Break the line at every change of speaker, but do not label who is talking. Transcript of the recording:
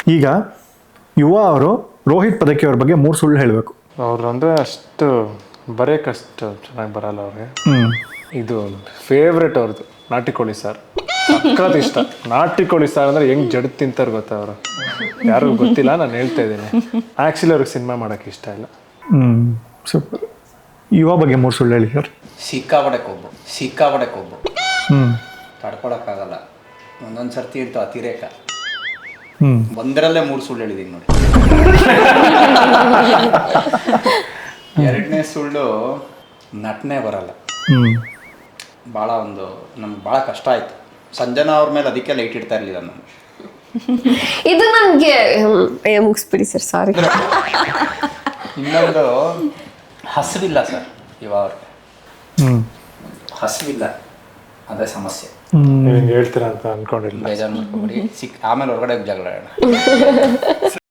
ಈಗ ಯುವ ಅವರು ರೋಹಿತ್ ಪದಕಿ ಅವ್ರ ಬಗ್ಗೆ 3 ಸುಳ್ಳು ಹೇಳಬೇಕು.
ಅವ್ರು ಅಂದರೆ ಅಷ್ಟು ಬರೆಯೋಕ್ಕಷ್ಟು ಚೆನ್ನಾಗಿ ಬರಲ್ಲ ಅವ್ರಿಗೆ.
ಹ್ಞೂ
ಇದು ಫೇವ್ರೆಟ್ ಅವ್ರದ್ದು ನಾಟಿ ಕೋಳಿ ಸಾರು, ಸಖತ್ ಇಷ್ಟ. ನಾಟಿ ಕೋಳಿ ಸಾರು ಅಂದರೆ ಹೆಂಗೆ ಜಡ್ ತಿಂತಾರೆ ಗೊತ್ತಾ ಅವರು, ಯಾರಿಗೂ ಗೊತ್ತಿಲ್ಲ, ನಾನು ಹೇಳ್ತಾ ಇದ್ದೀನಿ. ಆ್ಯಕ್ಚುಲಿ ಅವ್ರಿಗೆ ಸಿನಿಮಾ ಮಾಡೋಕ್ಕೆ ಇಷ್ಟ ಇಲ್ಲ.
ಸೂಪರ್. ಯುವ ಬಗ್ಗೆ 3 ಸುಳ್ಳು ಹೇಳಿ ಸರ್.
ಸಿಕ್ಕಾಪಟ್ಟೆ ಕೊಬ್ಬು
ಹ್ಞೂ
ತಡ್ಕೊಳಕ್ಕಾಗಲ್ಲ. ಒಂದೊಂದು ಸರ್ತಿ ಇರ್ತಾವ ಅತಿರೇಕ.
ಹ್ಞೂ
ಒಂದರಲ್ಲೇ 3 ಸುಳ್ಳು ಹೇಳಿದ್ದೀನಿ ನೋಡಿ. 2ನೇ ಸುಳ್ಳು ನಟನೆ ಬರಲ್ಲ. ಭಾಳ ನಮ್ಗೆ ಭಾಳ ಕಷ್ಟ ಆಯಿತು. ಸಂಜನಾ ಅವ್ರ ಮೇಲೆ ಅದಕ್ಕೆ ಲೈಟ್ ಇಡ್ತಾ ಇರಲಿಲ್ಲ ನಾನು.
ಇದು ನನಗೆ ಮುಗಿಸ್ಬಿಡಿ ಸರ್, ಸಾರಿ.
ಇನ್ನೊಂದು ಹಸಿವಿಲ್ಲ ಸರ್, ಇವಾಗ ಹಸಿವಿಲ್ಲ, ಅದೇ ಸಮಸ್ಯೆ.
ನೀವು ಹಿಂಗೆ ಹೇಳ್ತೀರಾ ಅಂತ ಅಂದ್ಕೊಂಡಿಲ್ಲ.
ಬೇಜಾರು ಮಾಡ್ಕೊಬಿಡಿ, ಆಮೇಲೆ ಹೊರಗಡೆ ಜಗಳ ಆಡೋಣ.